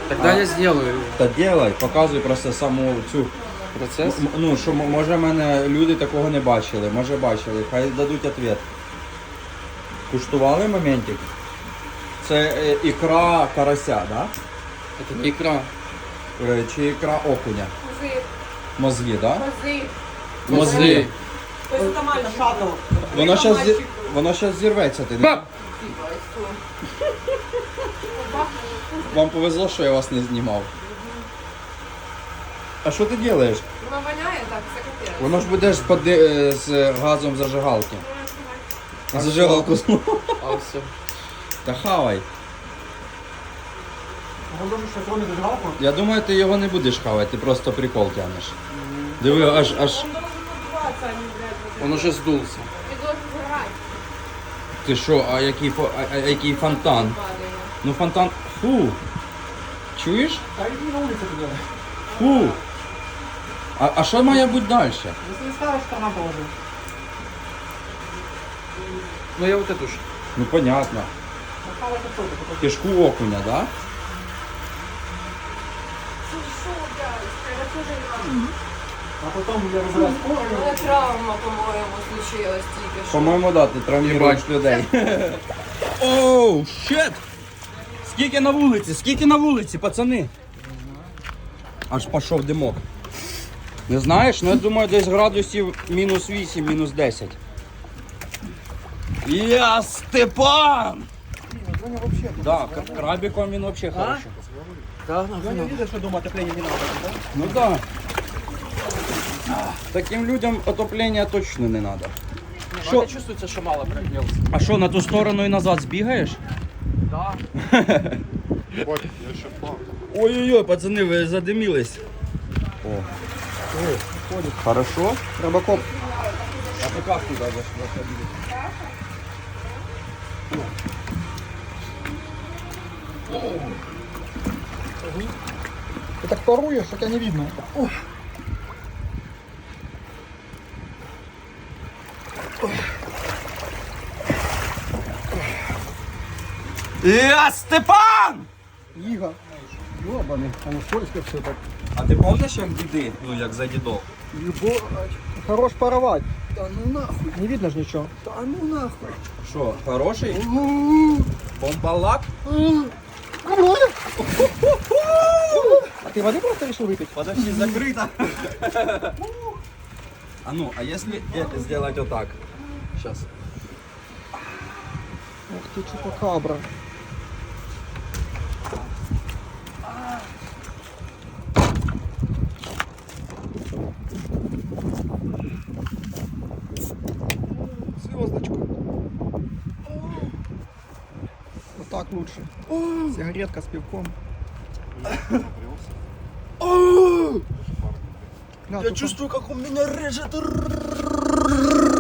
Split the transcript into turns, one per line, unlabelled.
Тогда я сделаю
Та делай, показуй просто саму цю.
процесс.
Ну, що може мене люди такого не бачили, може бачили, хай дадуть відповідь. Куштували моментик? Це ікра карася, да?
Это не икра.
Чи ікра окуня?
Мозги.
Мозги, да?
Мозги.
Мозги.
Тобто це нормально, шатл.
Воно щас зірветься, ти не?
Баб!
Вам повезло, що я вас не знімав. А що ти робиш?
Воно воняє так, це капець.
Воно ж будеш з газом зажигалки. Зажигалку знову.
А все.
Та хавай.
Воно дуже шатрони зажигалку.
Я думаю, ти його не будеш хавати, ти просто прикол тягнеш. Диви, аж.
Він должен надуватися, а не, блядь,
Он уже сдулся.
Ти должен згорати.
Ти що, який фонтан?
Падає.
Ну фонтан. Фу. Чуєш?
Та йди на вулицю туди.
Фу. А що має бути далі?
Якщо не скажеш, то нам положив.
Ну я вот эту ж.
Ну понятно.
Напала картоплю, потім.
Кишку окуня, да?
Це що, блядь? Це дуже важко.
А потім я розбираю
У мене травма, по-моєму, случилась тільки що.
По-моєму, да, ти травмуєш людей. Оу, щет! Скільки на вулиці? Скільки на вулиці, пацани? Аж пішов димок. Не знаєш? Ну я думаю, десь градусів мінус 8, мінус 10. Я Степан!
Женя вообще.
Да, крабиком він взагалі хороший.
Да,
Женя видиш, що дома отоплення не надо, да?
Ну да. Таким людям отоплення точно не треба.
Что? Это чувствуется, что мало прогрелся.
А що, на ту сторону і назад збігаєш?
Да.
Бать, я ще плав.
Ой-ой-ой, пацани, ви задимілись. О. Хорошо.
Рыбакоп.
А ти як туди заходили?
Ты так паруешь, что тебя не видно.
Я Степан!
Иго. Ёбаный, оно скользко все так.
А ти пам'ятаєш, як діди? Ну, як за дідов?
Хорош паровать. Да ну нахуй. Не видно ж ничего. Да ну нахуй.
Що, хороший? Бомбалак?
А ты воды просто решил выпить?
Подожди, закрыто. А ну, а если сделать вот так? Сейчас.
Ух ты, чупакабра. Звездочку. Вот так лучше. Сигаретка с пивком.
Я чувствую, как у меня режет